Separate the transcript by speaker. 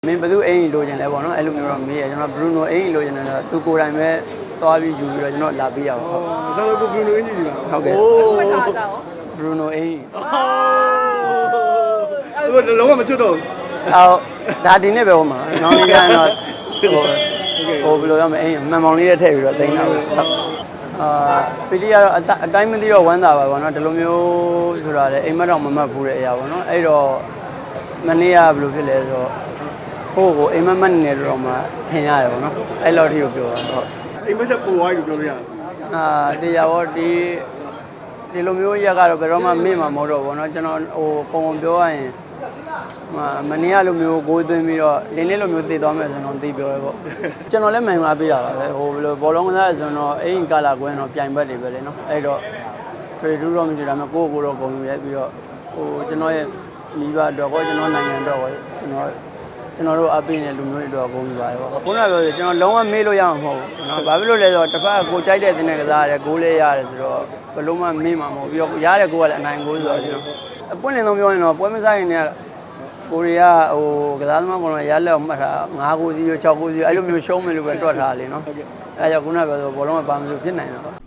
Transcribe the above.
Speaker 1: မင်းဘယ်သူအိမ်လိုချင်လဲပေါ့နော်အဲ့လိုမျိုးတော့မေးရကျွန်တော်ဘရူနိုအိမ်လိုချင်တယ်ဆိုတော့သူကိုယ်တိုင်ပဲသွားပြီးယူပြီးတော့ကျွန်တော်လာပေးရပါဟုတ်
Speaker 2: ဒါဆိုကိုဘရူနိုအင်ဂျီကြီးပါ
Speaker 1: ဟုတ်ကဲ့ဘရူနိုအိမ်
Speaker 2: ဟိုလုံးဝမချွတ်တော့
Speaker 1: အော်ဒါဒီနေ့ပဲဟိုမှာနောက်နေ့ကျရင်တော့ဟိုဘယ်လိုရမလဲအိမ်မှန်မောင်လေးနဲ့ထည့်ပြီးတော့တင်တာပဲပီလီကတော့အတိုင်းမသိတော့ဝမ်းသာပါဘောနော်ဒီလိုမျိုးဆိုတာလေအိမ်မက်တော့မမှတ်ဘူးတဲ့အရာပေါ့နော်အဲ့တော့မနေ့ကဘယ်လိုဖြစ်လဲဆိုတော့ကိုအိမ်မက်မက်နေတော့မှထင်ရတယ်ပေါ့နော်အဲ့လောက်ထိကိုပြောတာဟုတ်
Speaker 2: အိမ်မက်တက်ပူဝိုင်းလို့ပြောလို့ရတယ်
Speaker 1: တရားဘောဒီလိုမျိုးရက်ကတော့ဘယ်တော့မှမေ့မှာမဟုတ်တော့ဘောနော်ကျွန်တော်ဟိုပုံပြောရရင်မနေ့ကလိုမျိုးကိုယ်သွင်းပြီးတော့ဒီနေ့လိုမျိုးတည်သွားမယ်ဆိုတော့သိပြောရဲပေါ့ကျွန်တော်လည်းမှန်မှာပေးရပါပဲဟိုဘယ်လိုဘောလုံးကစားဆိုတော့အိမ်ကာလာကွင်းတော့ပြိုင်ဘက်တွေပဲလေနော်အဲ့တော့ထွေထူးတော့မရှိတာမှကိုယ့်တော့ဂုဏ်ယူရဲပြီးတော့ဟိုကျွန်တော်ရဲ့မိဘအတွက်ကောကျွန်တော်နိုင်ငံအတွက်ကောကျွန်တော်တို့အပေးနေလူမျိုးတွေအတွက်ဂုဏ်ယူပါတယ်ပေါ့ခုနကပြောကျွန်တော်လုံးဝမေ့လို့ရမှာမဟုတ်ဘူးနော်ဘာဖြစ်လို့လဲဆိုတော့တစ်ဖက်ကကိုကြိုက်တဲ့တင်တဲ့ကစားရတယ်ဂိုးလေးရတယ်ဆိုတော့ဘယ်လုံးမှမေ့မှာမဟုတ်ပြီးတော့ရတဲ့ကိုကလည်းအနိုင်ဂိုးဆိုတော့ကျွန်တော်အပွင့်လင်းဆုံးပြောရင်တော့ပွဲမစားရင်လည်းကိုရီးယားဟိုကစားသမားကောင်ရလက်မှတ်ထား9-0 6-0အဲ့လိုမျိုးရှုံးမယ်လို့ပဲတွက်ထားလေနော်အဲ့ကြောင့်ခုနကပြောဆိုဘောလုံးကပါမလို့ဖြစ်နိုင်တာပါ